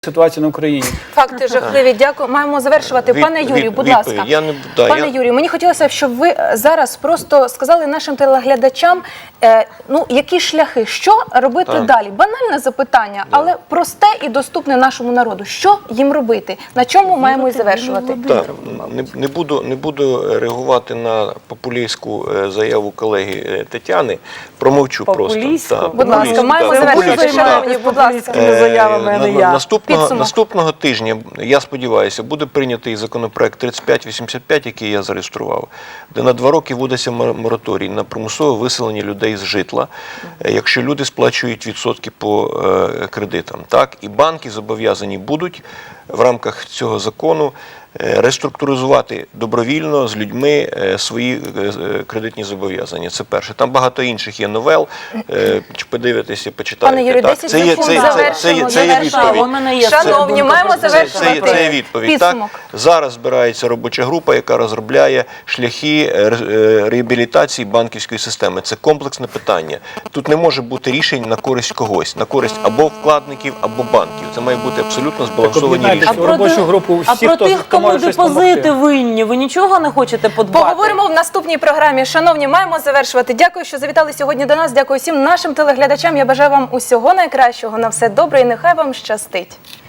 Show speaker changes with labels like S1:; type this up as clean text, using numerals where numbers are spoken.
S1: Ситуація на Україні.
S2: Факти жахливі. Дякую. Маємо завершувати. Пане Юрію, будь ласка. Пане Юрію, мені хотілося б, щоб ви зараз просто сказали нашим телеглядачам, які шляхи, що робити далі. Банальне запитання, але просте і доступне нашому народу. Що їм робити? На чому маємо і завершувати?
S3: Не буду реагувати на популістську заяву колеги Тетяни. Промовчу просто.
S2: Будь ласка, маємо завершувати. Шановні, будь ласка.
S3: Наступного тижня, я сподіваюся, буде прийнятий законопроект 3585, який я зареєстрував, де на 2 роки вводиться мораторій на примусове виселення людей з житла, якщо люди сплачують відсотки по кредитам. Так? І банки зобов'язані будуть в рамках цього закону реструктуризувати добровільно з людьми свої кредитні зобов'язання. Це перше. Там багато інших є новел. Подивитися, почитайте.
S2: Пане Юрію, 10 секунд завершимо.
S3: Це є відповідь.
S2: Шановні, маємо завершувати.
S3: Це є відповідь. Так? Зараз збирається робоча група, яка розробляє шляхи реабілітації банківської системи. Це комплексне питання. Тут не може бути рішень на користь когось. На користь або вкладників, або банків. Це має бути абсолютно збалансовані рішення.
S1: Робочу групу всіх, хто
S4: кому депозити винні, ви нічого не хочете подбати?
S2: Поговоримо в наступній програмі. Шановні, маємо завершувати. Дякую, що завітали сьогодні до нас. Дякую всім нашим телеглядачам. Я бажаю вам усього найкращого. На все добре і нехай вам щастить.